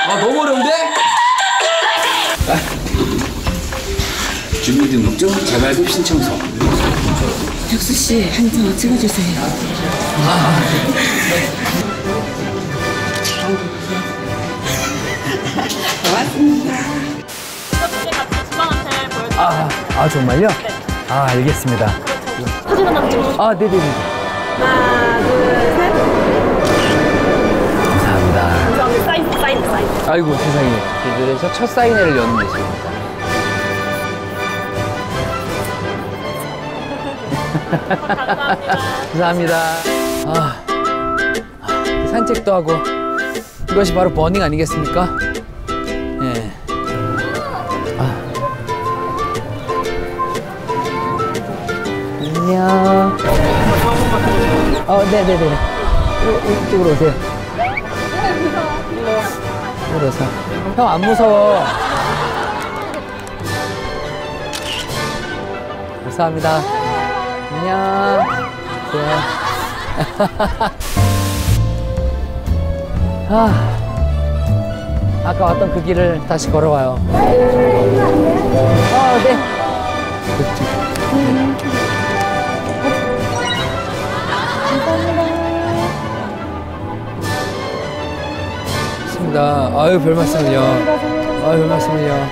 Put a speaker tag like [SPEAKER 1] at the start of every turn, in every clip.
[SPEAKER 1] 아, 너무 어려운데? 주민등록증, 재발급 신청서.
[SPEAKER 2] 혁수 씨, 한 장 찍어주세요. 고맙습니다.
[SPEAKER 3] 아 정말요?
[SPEAKER 4] 네.
[SPEAKER 3] 아 알겠습니다.
[SPEAKER 4] 사진 하나 찍어주세요.
[SPEAKER 3] 아 네네네.
[SPEAKER 4] 하나, 둘, 셋.
[SPEAKER 3] 감사합니다.
[SPEAKER 4] 감사합니다. 사인.
[SPEAKER 3] 아이고 세상에. 그래서 첫 사인회를 여는 모습입니다. 감사합니다. 산책도 하고 이것이 바로 버닝 아니겠습니까? 예. 안녕. 네네네. 이쪽으로 오세요. 이쪽으로 오세요. 형 안 무서워. 감사합니다. 안녕. 아까 왔던 그 길을 다시 걸어와요. 네. 감사합니다. 아유, 별 말씀을요. 아유, 별 말씀을요.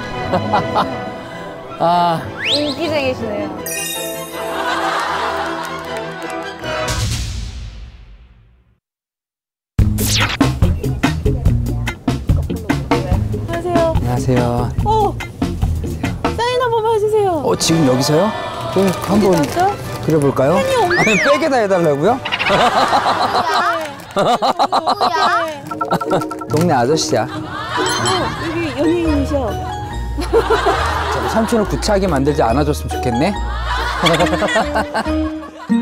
[SPEAKER 5] 인기쟁이시네요.
[SPEAKER 4] 안녕하세요.
[SPEAKER 3] 안녕하세요.
[SPEAKER 4] 사인 한 번만 해주세요.
[SPEAKER 3] 지금 여기서요? 네, 한번
[SPEAKER 4] 맞죠?
[SPEAKER 3] 그려볼까요? 아니, 백에다 해달라고요?
[SPEAKER 5] 누구야?
[SPEAKER 3] 동네 아저씨야.
[SPEAKER 4] 여기 연예인이셔.
[SPEAKER 3] 삼촌을 구차하게 만들지 않아줬으면 좋겠네.